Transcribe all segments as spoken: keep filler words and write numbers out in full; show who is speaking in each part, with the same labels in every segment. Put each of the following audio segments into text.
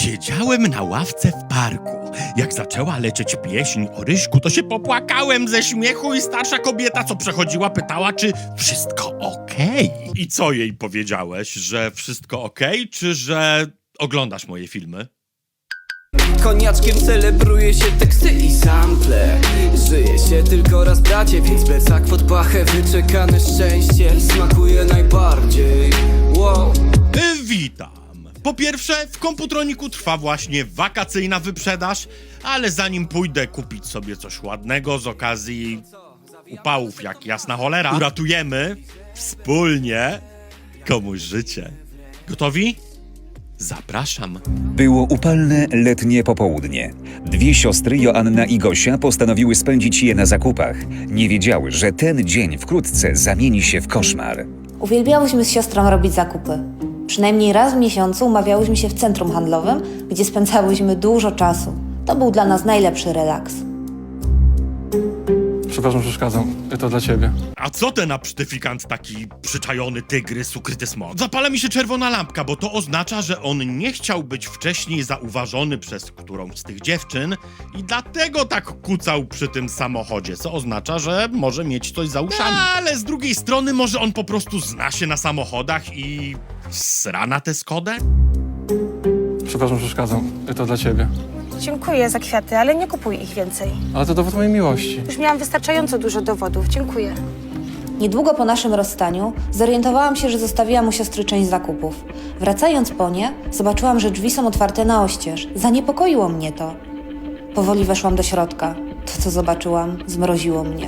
Speaker 1: Siedziałem na ławce w parku. Jak zaczęła lecieć pieśń o Ryśku, to się popłakałem ze śmiechu i starsza kobieta, co przechodziła, pytała, czy wszystko okej. I co jej powiedziałeś, że wszystko okej, czy że oglądasz moje filmy?
Speaker 2: Koniaczkiem celebruje się teksty i sample. Żyje się tylko raz, bracie, więc plecak pod pachę, wyczekane szczęście smakuje najbardziej. Wow.
Speaker 1: Y, witam. Po pierwsze, w Komputroniku trwa właśnie wakacyjna wyprzedaż, ale zanim pójdę kupić sobie coś ładnego z okazji upałów jak jasna cholera, uratujemy wspólnie komuś życie. Gotowi? Zapraszam.
Speaker 3: Było upalne letnie popołudnie. Dwie siostry, Joanna i Gosia, postanowiły spędzić je na zakupach. Nie wiedziały, że ten dzień wkrótce zamieni się w koszmar.
Speaker 4: Uwielbiałyśmy z siostrą robić zakupy. Przynajmniej raz w miesiącu umawiałyśmy się w centrum handlowym, gdzie spędzałyśmy dużo czasu. To był dla nas najlepszy relaks.
Speaker 5: Przepraszam, przeszkadzam. To dla ciebie.
Speaker 1: A co ten absztyfikant taki przyczajony tygrys, ukryty smok? Zapala mi się czerwona lampka, bo to oznacza, że on nie chciał być wcześniej zauważony przez którąś z tych dziewczyn i dlatego tak kucał przy tym samochodzie, co oznacza, że może mieć coś za uszami. Ale z drugiej strony może on po prostu zna się na samochodach i sra na tę Skodę?
Speaker 5: Przepraszam, przeszkadzam. To dla ciebie.
Speaker 6: Dziękuję za kwiaty, ale nie kupuj ich więcej.
Speaker 5: Ale to dowód mojej miłości.
Speaker 6: Już miałam wystarczająco dużo dowodów. Dziękuję.
Speaker 4: Niedługo po naszym rozstaniu zorientowałam się, że zostawiłam u siostry część zakupów. Wracając po nie, zobaczyłam, że drzwi są otwarte na oścież. Zaniepokoiło mnie to. Powoli weszłam do środka. To, co zobaczyłam, zmroziło mnie.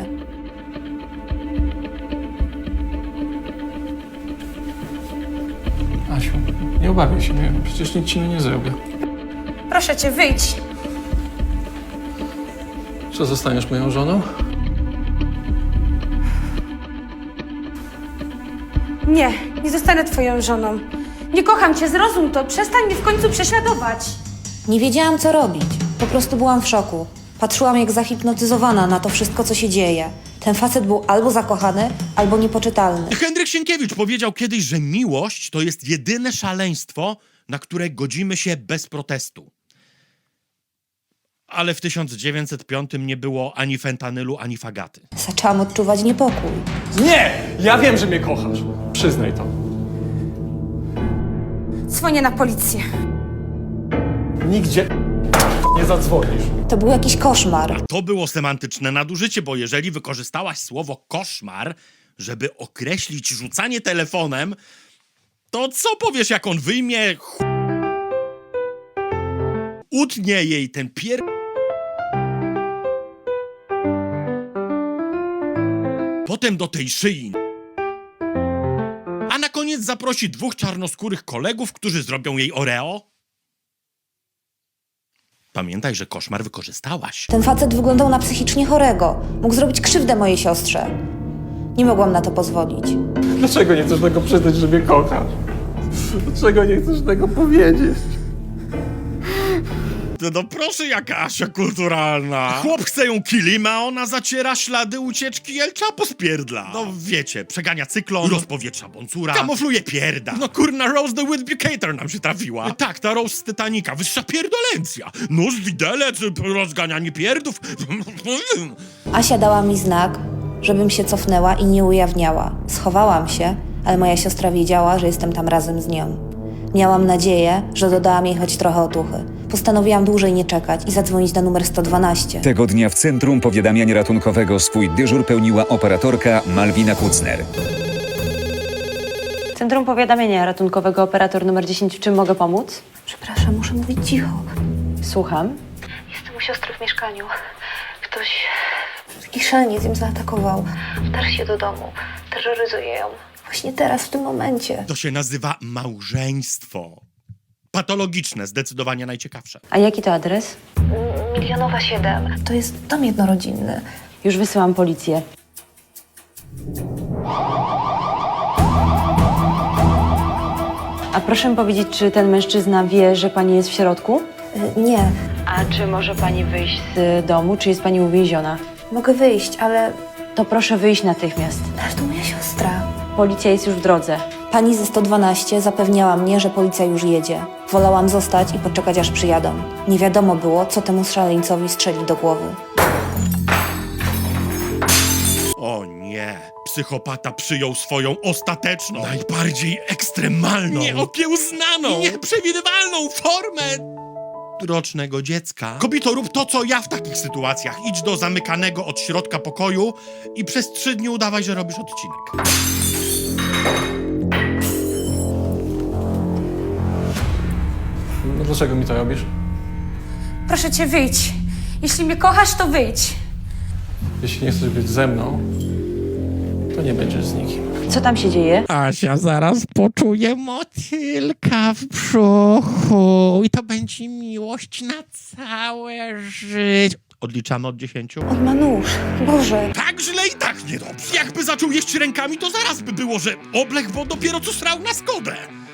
Speaker 5: Asiu, nie obawiaj się mnie. Przecież nic ci nie zrobię.
Speaker 6: Proszę cię, wyjdź.
Speaker 5: Czy zostaniesz moją żoną?
Speaker 6: Nie, nie zostanę twoją żoną. Nie kocham cię, zrozum to. Przestań mnie w końcu prześladować.
Speaker 4: Nie wiedziałam, co robić. Po prostu byłam w szoku. Patrzyłam jak zahipnotyzowana na to wszystko, co się dzieje. Ten facet był albo zakochany, albo niepoczytalny.
Speaker 1: Henryk Sienkiewicz powiedział kiedyś, że miłość to jest jedyne szaleństwo, na które godzimy się bez protestu. Ale w tysiąc dziewięćset piątym nie było ani fentanylu, ani fagaty.
Speaker 4: Zaczęłam odczuwać niepokój.
Speaker 5: Nie! Ja wiem, że mnie kochasz. Przyznaj to.
Speaker 6: Dzwonię na policję.
Speaker 5: Nigdzie nie zadzwonisz.
Speaker 4: To był jakiś koszmar.
Speaker 1: To było semantyczne nadużycie, bo jeżeli wykorzystałaś słowo koszmar, żeby określić rzucanie telefonem, to co powiesz, jak on wyjmie ch... utnie jej ten pier... Potem do tej szyi. A na koniec zaprosi dwóch czarnoskórych kolegów, którzy zrobią jej oreo? Pamiętaj, że koszmar wykorzystałaś.
Speaker 4: Ten facet wyglądał na psychicznie chorego. Mógł zrobić krzywdę mojej siostrze. Nie mogłam na to pozwolić.
Speaker 5: Dlaczego nie chcesz tego przyznać, że mnie kochasz? Dlaczego nie chcesz tego powiedzieć?
Speaker 1: No, no proszę, jaka Asia kulturalna. Chłop chce ją kilima, a ona zaciera ślady ucieczki El Chapo z pierdla. No wiecie, przegania cyklon, rozpowietrza bącura, kamufluje pierda. No kurna, Rose the Witbucator nam się trafiła. Tak, ta Rose z Titanica, wyższa pierdolencja. Nóż, widelec, rozganianie pierdów.
Speaker 4: Asia dała mi znak, żebym się cofnęła i nie ujawniała. Schowałam się, ale moja siostra wiedziała, że jestem tam razem z nią. Miałam nadzieję, że dodałam jej choć trochę otuchy. Postanowiłam dłużej nie czekać i zadzwonić na numer sto dwanaście.
Speaker 3: Tego dnia w Centrum Powiadamiania Ratunkowego swój dyżur pełniła operatorka Malwina Kucner.
Speaker 7: Centrum Powiadamiania Ratunkowego, operator numer dziesięć. W czym mogę pomóc?
Speaker 4: Przepraszam, muszę mówić cicho.
Speaker 7: Słucham.
Speaker 4: Jestem u siostry w mieszkaniu. Ktoś... Taki szaleniec ją zaatakował. Wdarł się do domu. Terroryzuje ją. Właśnie teraz, w tym momencie.
Speaker 1: To się nazywa małżeństwo. Patologiczne, zdecydowanie najciekawsze.
Speaker 7: A jaki to adres?
Speaker 4: Milionowa siedem. To jest dom jednorodzinny.
Speaker 7: Już wysyłam policję. A proszę powiedzieć, czy ten mężczyzna wie, że pani jest w środku?
Speaker 4: Y, nie.
Speaker 7: A czy może pani wyjść z domu, czy jest pani uwięziona?
Speaker 4: Mogę wyjść, ale...
Speaker 7: To proszę wyjść natychmiast.
Speaker 4: Ale to moja siostra.
Speaker 7: Policja jest już w drodze.
Speaker 4: Pani ze sto dwanaście zapewniała mnie, że policja już jedzie. Wolałam zostać i poczekać, aż przyjadą. Nie wiadomo było, co temu szaleńcowi strzeli do głowy.
Speaker 1: O nie, psychopata przyjął swoją ostateczną, najbardziej ekstremalną, nieokiełznaną i nieprzewidywalną formę rocznego dziecka. Kobito, rób to, co ja w takich sytuacjach. Idź do zamykanego od środka pokoju i przez trzy dni udawaj, że robisz odcinek.
Speaker 5: No dlaczego mi to robisz?
Speaker 6: Proszę cię, wyjdź. Jeśli mnie kochasz, to wyjdź.
Speaker 5: Jeśli nie chcesz być ze mną, to nie będziesz z nikim.
Speaker 7: Co tam się dzieje?
Speaker 1: Asia zaraz poczuje motylka w brzuchu i to będzie miłość na całe życie. Odliczamy od dziesięciu?
Speaker 4: On ma nóż. Boże.
Speaker 1: Tak źle i tak niedobrze. Jakby zaczął jeść rękami, to zaraz by było, że oblech, bo dopiero co srał na Skodę.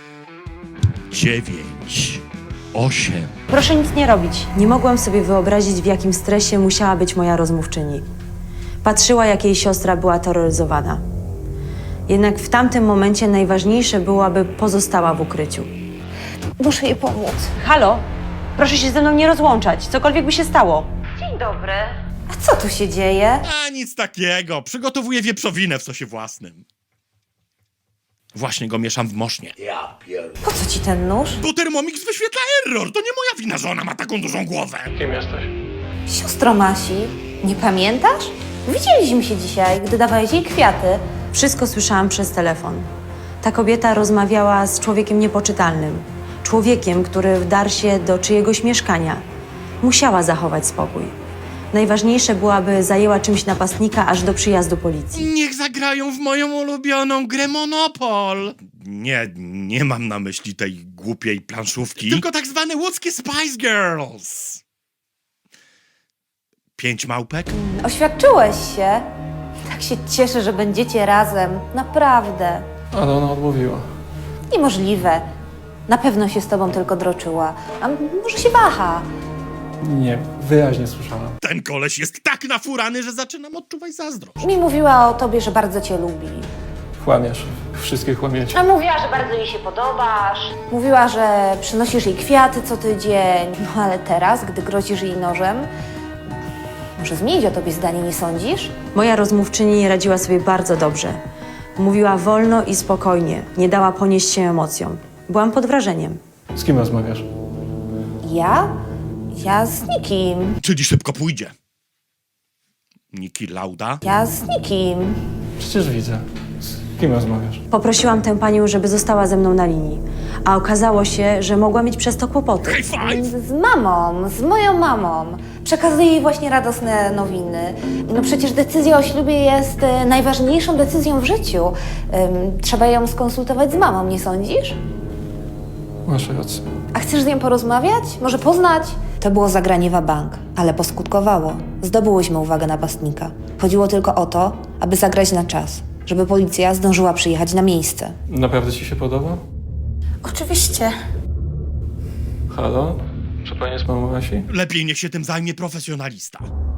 Speaker 1: Dziewięć. Osiem.
Speaker 7: Proszę nic nie robić. Nie mogłam sobie wyobrazić, w jakim stresie musiała być moja rozmówczyni. Patrzyła, jak jej siostra była terroryzowana. Jednak w tamtym momencie najważniejsze było, aby pozostała w ukryciu.
Speaker 4: Muszę jej pomóc.
Speaker 7: Halo? Proszę się ze mną nie rozłączać, cokolwiek by się stało. Dzień dobry.
Speaker 4: A co tu się dzieje?
Speaker 1: A nic takiego. Przygotowuję wieprzowinę w sosie własnym. Właśnie go mieszam w mosznie.
Speaker 4: Po co ci ten nóż?
Speaker 1: Bo Thermomix wyświetla error. To nie moja wina, że ona ma taką dużą głowę.
Speaker 5: Kim jesteś?
Speaker 4: Siostro Masi, nie pamiętasz? Widzieliśmy się dzisiaj, gdy dawałeś jej kwiaty.
Speaker 7: Wszystko słyszałam przez telefon. Ta kobieta rozmawiała z człowiekiem niepoczytalnym. Człowiekiem, który wdarł się do czyjegoś mieszkania. Musiała zachować spokój. Najważniejsze było, aby zajęła czymś napastnika aż do przyjazdu policji.
Speaker 1: Niech zagrają w moją ulubioną grę Monopol. Nie, nie mam na myśli tej głupiej planszówki. Tylko tak zwane łódzkie Spice Girls. Pięć małpek?
Speaker 4: Oświadczyłeś się. Tak się cieszę, że będziecie razem. Naprawdę.
Speaker 5: Ale ona odmówiła.
Speaker 4: Niemożliwe. Na pewno się z tobą tylko droczyła. A może się waha.
Speaker 5: Nie, wyraźnie słyszałam.
Speaker 1: Ten koleś jest tak nafurany, że zaczynam odczuwać zazdrość.
Speaker 4: Mi mówiła o tobie, że bardzo cię lubi.
Speaker 5: Kłamiesz. Wszystkie kłamiecie.
Speaker 4: A mówiła, że bardzo jej się podobasz. Mówiła, że przynosisz jej kwiaty co tydzień. No ale teraz, gdy grozisz jej nożem, może zmienić o tobie zdanie, nie sądzisz?
Speaker 7: Moja rozmówczyni radziła sobie bardzo dobrze. Mówiła wolno i spokojnie, nie dała ponieść się emocjom. Byłam pod wrażeniem.
Speaker 5: Z kim rozmawiasz?
Speaker 4: Ja? Ja z nikim.
Speaker 1: Czyli szybko pójdzie. Niki Lauda?
Speaker 4: Ja z nikim.
Speaker 5: Przecież widzę. Z kim rozmawiasz?
Speaker 7: Poprosiłam tę panią, żeby została ze mną na linii, a okazało się, że mogła mieć przez to kłopoty.
Speaker 1: High five!
Speaker 4: Z mamą, z moją mamą. Przekazuję jej właśnie radosne nowiny. No przecież decyzja o ślubie jest e, najważniejszą decyzją w życiu. Ym, trzeba ją skonsultować z mamą, nie sądzisz?
Speaker 5: Masz rację.
Speaker 4: A chcesz z nią porozmawiać? Może poznać? To było zagranie w bank, ale poskutkowało. Zdobyłyśmy uwagę napastnika. Chodziło tylko o to, aby zagrać na czas, żeby policja zdążyła przyjechać na miejsce.
Speaker 5: Naprawdę ci się podoba?
Speaker 6: Oczywiście.
Speaker 5: Halo? Czy pani jest mamą Asi?
Speaker 1: Lepiej niech się tym zajmie profesjonalista.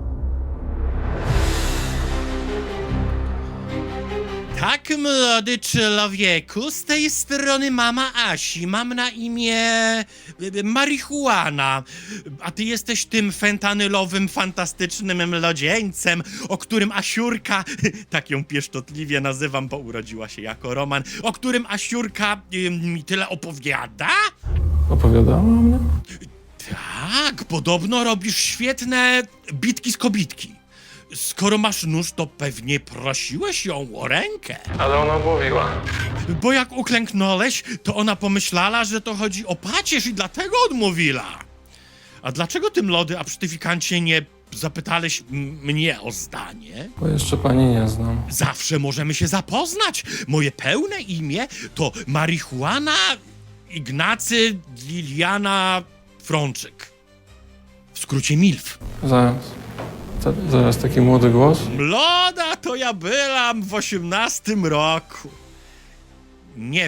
Speaker 1: Tak, młody człowieku, z tej strony mama Asi. Mam na imię e, marihuana. A ty jesteś tym fentanylowym, fantastycznym młodzieńcem, o którym Asiurka, tak ją pieszczotliwie nazywam, bo urodziła się jako Roman, o którym Asiurka e, mi tyle opowiada?
Speaker 5: Opowiadała o mnie?
Speaker 1: Tak, podobno robisz świetne bitki z kobitki. Skoro masz nóż, to pewnie prosiłeś ją o rękę.
Speaker 5: Ale ona odmówiła.
Speaker 1: Bo jak uklęknąłeś, to ona pomyślała, że to chodzi o pacierz i dlatego odmówiła. A dlaczego ty, młody absztyfikancie, nie zapytałeś m- mnie o zdanie?
Speaker 5: Bo jeszcze pani nie znam.
Speaker 1: Zawsze możemy się zapoznać. Moje pełne imię to Marihuana Ignacy Liliana Frączyk. W skrócie MILF.
Speaker 5: Zaraz. Za, zaraz taki młody głos?
Speaker 1: Młoda to ja byłam w osiemnastym roku. Nie w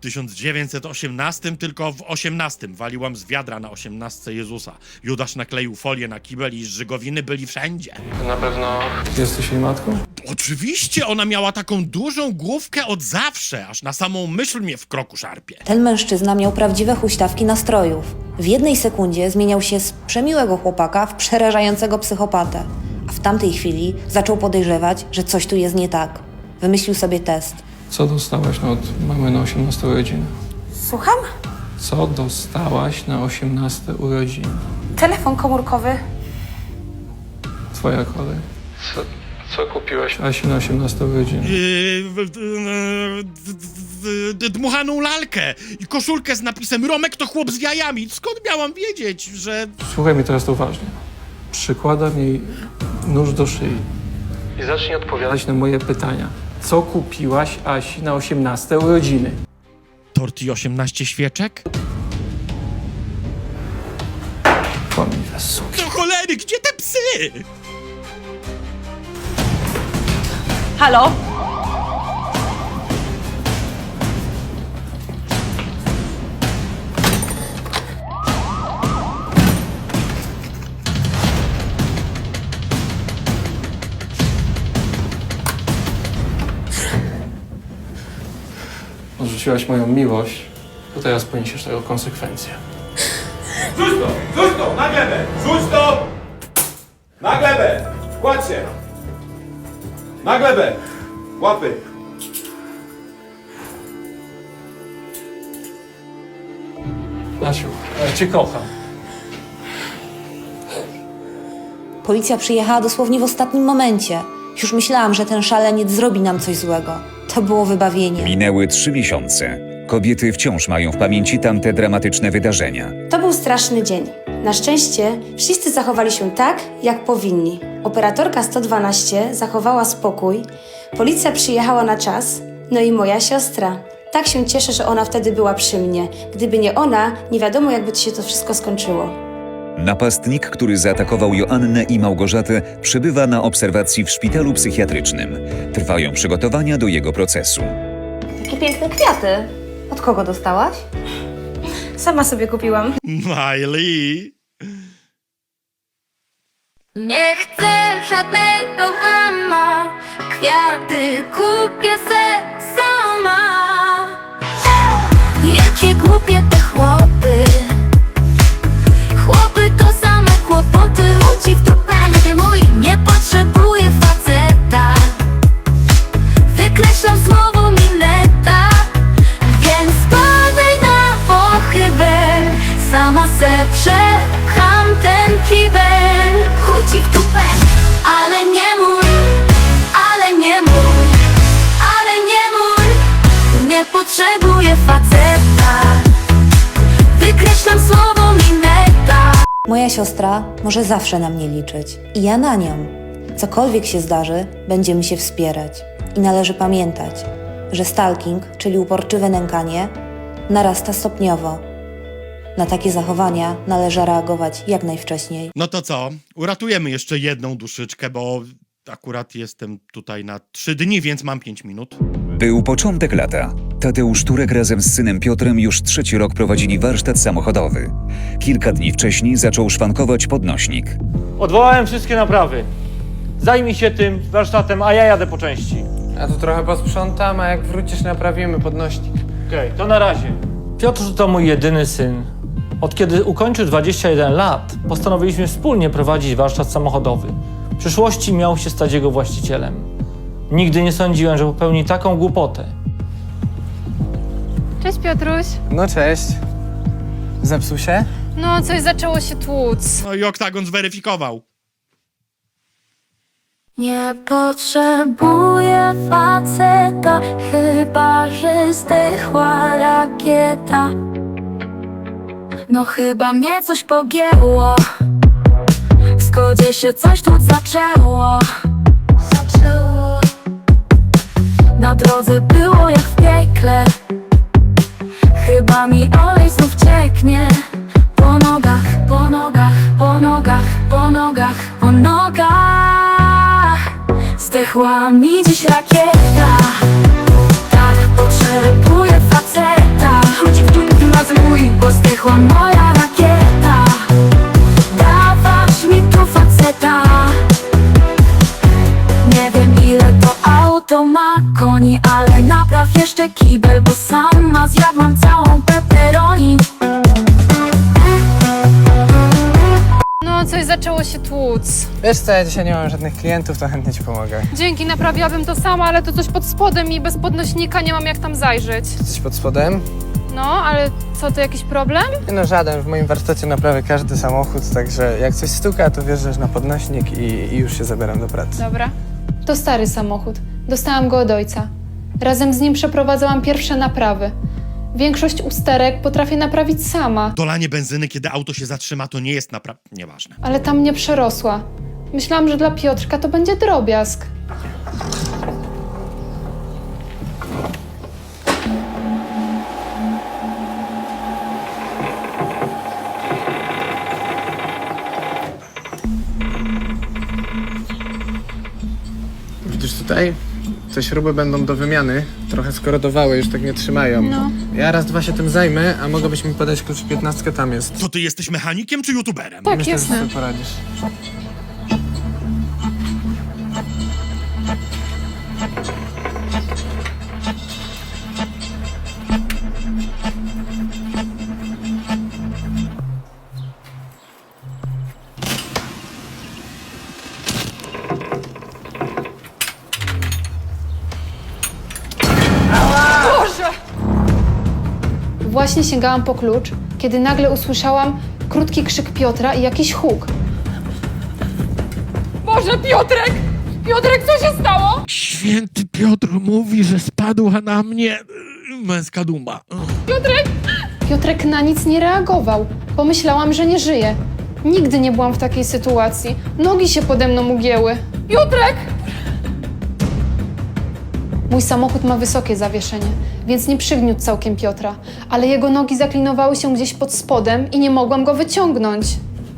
Speaker 1: tysiąc dziewięćset osiemnastym, tylko w osiemnastym waliłam z wiadra na osiemnastce Jezusa. Judasz nakleił folię na kibel i żygowiny byli wszędzie.
Speaker 5: Na pewno jesteś jej matką?
Speaker 1: Oczywiście ona miała taką dużą główkę od zawsze, aż na samą myśl mnie w kroku szarpie.
Speaker 4: Ten mężczyzna miał prawdziwe huśtawki nastrojów. W jednej sekundzie zmieniał się z przemiłego chłopaka w przerażającego psychopatę. A w tamtej chwili zaczął podejrzewać, że coś tu jest nie tak. Wymyślił sobie test.
Speaker 5: Co dostałaś od mamy na osiemnaste urodziny?
Speaker 6: Słucham?
Speaker 5: Co dostałaś na osiemnaste urodziny?
Speaker 6: Telefon komórkowy.
Speaker 5: Twoja kolej. Co, co kupiłaś Asi na osiemnaste urodziny?
Speaker 1: Yy, w- w- w- w- dmuchaną lalkę i koszulkę z napisem Romek to chłop z jajami. Skąd miałam wiedzieć, że...
Speaker 5: Słuchaj mnie teraz uważnie. Przykładam jej nóż do szyi. I zacznij odpowiadać na moje pytania. Co kupiłaś Asi na osiemnaste urodziny?
Speaker 1: Tort i osiemnaście świeczek?
Speaker 5: Kłamliwe suki.
Speaker 1: Do cholery, gdzie te psy?
Speaker 6: Halo?
Speaker 5: Odrzuciłaś moją miłość, to teraz poniesiesz tego konsekwencje.
Speaker 8: Rzuć to! Rzuć to! Na glebę! Rzuć to! Na glebę! Kładź się! Na glebę! Łapy!
Speaker 5: Asiu, ja cię kocham.
Speaker 4: Policja przyjechała dosłownie w ostatnim momencie. Już myślałam, że ten szaleniec zrobi nam coś złego. To było wybawienie.
Speaker 3: Minęły trzy miesiące. Kobiety wciąż mają w pamięci tamte dramatyczne wydarzenia.
Speaker 9: To był straszny dzień. Na szczęście wszyscy zachowali się tak, jak powinni. Operatorka sto dwanaście zachowała spokój, policja przyjechała na czas, no i moja siostra. Tak się cieszę, że ona wtedy była przy mnie. Gdyby nie ona, nie wiadomo, jakby się to wszystko skończyło.
Speaker 3: Napastnik, który zaatakował Joannę i Małgorzatę, przebywa na obserwacji w szpitalu psychiatrycznym. Trwają przygotowania do jego procesu.
Speaker 4: Jakie piękne kwiaty. Od kogo dostałaś?
Speaker 9: Sama sobie kupiłam.
Speaker 1: Miley.
Speaker 10: Nie chcę żadnego ama, kwiaty kupię se sama. Jakie głupie te chłopy, chłopy to same kłopoty. Ludzi w dupę nie mój, nie potrzebuję faceta. Wykreślam słowo mineta, więc spadaj na pochybę. Sama se przepcham ten kibel. Chodzi w dupę, ale nie mój, ale nie mój, ale nie mój. Nie potrzebuję faceta. Wykreślam słowo mineta.
Speaker 4: Moja siostra może zawsze na mnie liczyć. I ja na nią. Cokolwiek się zdarzy, będziemy się wspierać. I należy pamiętać, że stalking, czyli uporczywe nękanie, narasta stopniowo. Na takie zachowania należy reagować jak najwcześniej.
Speaker 1: No to co? Uratujemy jeszcze jedną duszyczkę, bo akurat jestem tutaj na trzy dni, więc mam pięć minut.
Speaker 3: Był początek lata. Tadeusz Turek razem z synem Piotrem już trzeci rok prowadzili warsztat samochodowy. Kilka dni wcześniej zaczął szwankować podnośnik.
Speaker 11: Odwołałem wszystkie naprawy. Zajmij się tym warsztatem, a ja jadę po części.
Speaker 5: Ja tu trochę posprzątam, a jak wrócisz, naprawimy podnośnik.
Speaker 11: Okej, to na razie. Piotr to mój jedyny syn. Od kiedy ukończył dwadzieścia jeden lat, postanowiliśmy wspólnie prowadzić warsztat samochodowy. W przyszłości miał się stać jego właścicielem. Nigdy nie sądziłem, że popełni taką głupotę.
Speaker 10: Cześć Piotruś.
Speaker 5: No cześć. Zepsuł się?
Speaker 10: No, coś zaczęło się tłuc.
Speaker 1: No i oktagon zweryfikował.
Speaker 10: Nie potrzebuję faceta, chyba że zdechła rakieta. No chyba mnie coś pogięło, w zgodzie się coś tu zaczęło. Zaczęło. Na drodze było jak w piekle, chyba mi olej znów cieknie. Po nogach, po nogach, po nogach, po nogach, po nogach. Zdechła mi dziś rakieta. Tak potrzebuję faceta.
Speaker 6: coś zaczęło się tłuc.
Speaker 12: Wiesz co, ja dzisiaj nie mam żadnych klientów, to chętnie ci pomogę.
Speaker 6: Dzięki, naprawiłabym to sama, ale to coś pod spodem i bez podnośnika nie mam jak tam zajrzeć.
Speaker 12: Coś pod spodem?
Speaker 6: No, ale co, to jakiś problem?
Speaker 12: Nie no, żaden. W moim warsztacie naprawię każdy samochód, także jak coś stuka, to wjeżdżasz na podnośnik i, i już się zabieram do pracy.
Speaker 6: Dobra. To stary samochód. Dostałam go od ojca. Razem z nim przeprowadzałam pierwsze naprawy. Większość usterek potrafię naprawić sama,
Speaker 1: Dolanie benzyny, kiedy auto się zatrzyma, to nie jest naprawdę... Nieważne.
Speaker 6: ale tam mnie przerosła. Myślałam, że dla Piotrka to będzie drobiazg.
Speaker 12: Widzisz tutaj? Te śruby będą do wymiany. Trochę skorodowały, już tak nie trzymają.
Speaker 6: No.
Speaker 12: Ja raz, dwa się tym zajmę, a mogłabyś mi podać klucz piętnastkę, tam jest.
Speaker 1: To ty jesteś mechanikiem czy youtuberem?
Speaker 6: Tak,
Speaker 12: Myślę, że
Speaker 6: jasne.
Speaker 12: sobie poradzisz.
Speaker 6: Właśnie sięgałam po klucz, kiedy nagle usłyszałam krótki krzyk Piotra i jakiś huk. Boże, Piotrek! Piotrek, co się stało?
Speaker 1: Święty Piotr mówi, że spadła na mnie męska duma.
Speaker 6: Piotrek! Piotrek na nic nie reagował. Pomyślałam, że nie żyje. Nigdy nie byłam w takiej sytuacji. Nogi się pode mną ugięły. Piotrek! Mój samochód ma wysokie zawieszenie, więc nie przygniótł całkiem Piotra, ale jego nogi zaklinowały się gdzieś pod spodem i nie mogłam go wyciągnąć.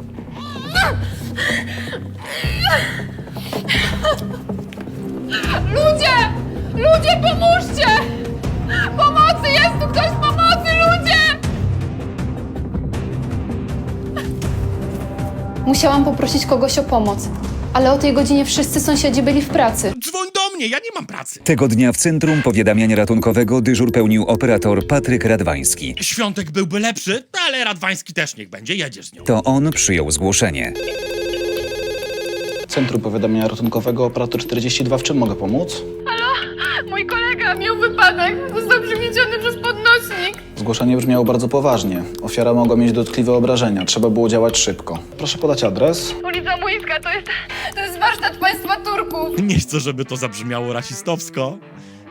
Speaker 6: Ludzie! Ludzie, pomóżcie! Pomocy! Jest tu ktoś! Pomocy, ludzie! Musiałam poprosić kogoś o pomoc, ale o tej godzinie wszyscy sąsiedzi byli w pracy.
Speaker 1: Dzwoń do mnie, ja nie mam pracy.
Speaker 3: Tego dnia w Centrum Powiadamiania Ratunkowego dyżur pełnił operator Patryk Radwański.
Speaker 1: Świątek byłby lepszy, ale Radwański też niech będzie, jedziesz z nią.
Speaker 3: To on przyjął zgłoszenie.
Speaker 13: Centrum Powiadamiania Ratunkowego, operator czterdzieści dwa, w czym mogę pomóc?
Speaker 6: Mój kolega miał wypadek, został przygnieciony przez podnośnik.
Speaker 13: Zgłoszenie brzmiało bardzo poważnie. Ofiara mogła mieć dotkliwe obrażenia, trzeba było działać szybko. Proszę podać adres.
Speaker 6: Ulica Młyńska, to jest, to jest warsztat państwa Turków.
Speaker 1: Nie chcę, żeby to zabrzmiało rasistowsko,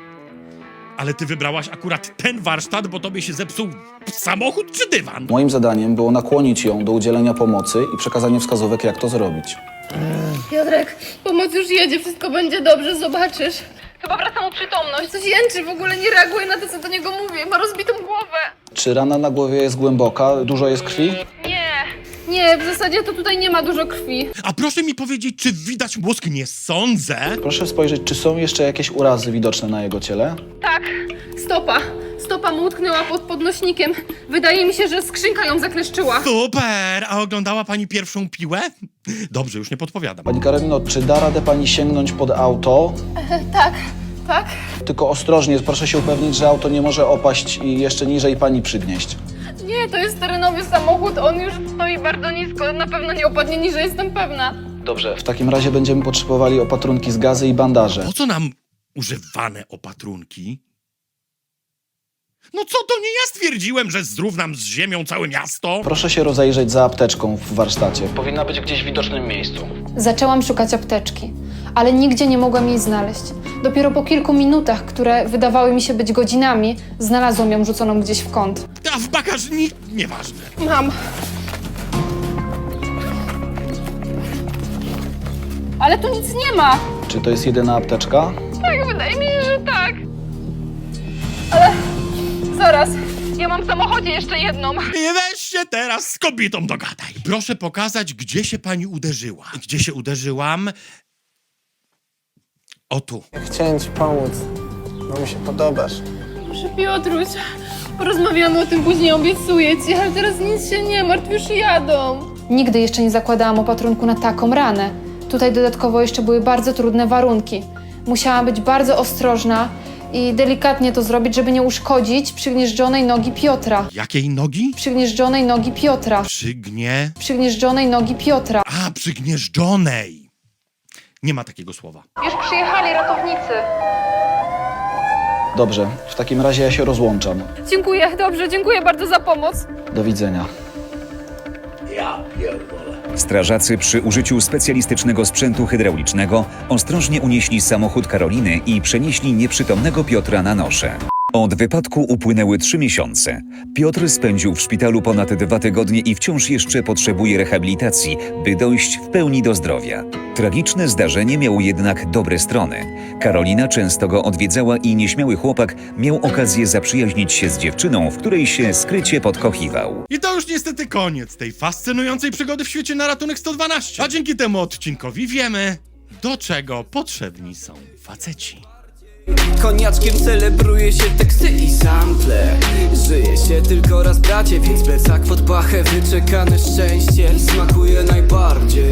Speaker 1: ale ty wybrałaś akurat ten warsztat, bo tobie się zepsuł samochód czy dywan?
Speaker 13: Moim zadaniem było nakłonić ją do udzielenia pomocy i przekazanie wskazówek, jak to zrobić.
Speaker 6: Piotrek, pomoc już jedzie, wszystko będzie dobrze, zobaczysz. Chyba wraca mu przytomność. Coś jęczy, w ogóle nie reaguje na to, co do niego mówię. Ma rozbitą głowę.
Speaker 13: Czy rana na głowie jest głęboka? Dużo jest krwi?
Speaker 6: Nie, nie, w zasadzie to tutaj nie ma dużo krwi.
Speaker 1: A proszę mi powiedzieć, czy widać mózg? Nie sądzę.
Speaker 13: Proszę spojrzeć, czy są jeszcze jakieś urazy widoczne na jego ciele?
Speaker 6: Tak, stopa. Stopa mu utknęła pod podnośnikiem. Wydaje mi się, że skrzynka ją zakleszczyła.
Speaker 1: Super! A oglądała pani pierwszą piłę? Dobrze, już nie podpowiadam.
Speaker 13: Pani Karolino, czy da radę pani sięgnąć pod auto?
Speaker 6: Tak, tak.
Speaker 13: Tylko ostrożnie, proszę się upewnić, że auto nie może opaść i jeszcze niżej pani przygnieść.
Speaker 6: Nie, to jest terenowy samochód, on już stoi bardzo nisko. Na pewno nie opadnie niżej, jestem pewna.
Speaker 13: Dobrze. W takim razie będziemy potrzebowali opatrunki z gazy i bandaże.
Speaker 1: Po co nam używane opatrunki? No co to nie ja stwierdziłem, że zrównam z ziemią całe miasto?
Speaker 13: Proszę się rozejrzeć za apteczką w warsztacie. Powinna być gdzieś w widocznym miejscu.
Speaker 6: Zaczęłam szukać apteczki, ale nigdzie nie mogłam jej znaleźć. Dopiero po kilku minutach, które wydawały mi się być godzinami, znalazłam ją rzuconą gdzieś w kąt.
Speaker 1: A w bagażnik? Nieważne.
Speaker 6: Mam. Ale tu nic nie ma.
Speaker 13: Czy to jest jedyna apteczka?
Speaker 6: Tak, wydaje mi się, że tak. Ale zaraz, ja mam w samochodzie jeszcze jedną.
Speaker 1: I weź się teraz z kobietą dogadaj. Proszę pokazać, gdzie się pani uderzyła. Gdzie się uderzyłam? O tu.
Speaker 12: Ja chciałem ci pomóc, bo mi się podobasz.
Speaker 6: Proszę Piotruś, porozmawiamy o tym później, obiecuję ci, ale teraz nic się nie martw, już jadą. Nigdy jeszcze nie zakładałam opatrunku na taką ranę. Tutaj dodatkowo jeszcze były bardzo trudne warunki. Musiałam być bardzo ostrożna i delikatnie to zrobić, żeby nie uszkodzić przygnieżdżonej nogi Piotra.
Speaker 1: Jakiej nogi?
Speaker 6: Przygnieżdżonej nogi Piotra.
Speaker 1: Przygnie...
Speaker 6: Przygnieżdżonej nogi Piotra.
Speaker 1: A, przygnieżdżonej. Nie ma takiego słowa.
Speaker 6: Już przyjechali ratownicy.
Speaker 13: Dobrze, w takim razie ja się rozłączam.
Speaker 6: Dziękuję, dobrze, dziękuję bardzo za pomoc.
Speaker 13: Do widzenia.
Speaker 3: Strażacy przy użyciu specjalistycznego sprzętu hydraulicznego ostrożnie unieśli samochód Karoliny i przenieśli nieprzytomnego Piotra na nosze. Od wypadku upłynęły trzy miesiące. Piotr spędził w szpitalu ponad dwa tygodnie i wciąż jeszcze potrzebuje rehabilitacji, by dojść w pełni do zdrowia. Tragiczne zdarzenie miało jednak dobre strony. Karolina często go odwiedzała i nieśmiały chłopak miał okazję zaprzyjaźnić się z dziewczyną, w której się skrycie podkochiwał.
Speaker 1: I to już niestety koniec tej fascynującej przygody w świecie na ratunek sto dwanaście. A dzięki temu odcinkowi wiemy, do czego potrzebni są faceci.
Speaker 2: Koniaczkiem celebruje się teksty i sample. Żyje się tylko raz bracie, więc plecak pod pachę, wyczekane szczęście smakuje najbardziej.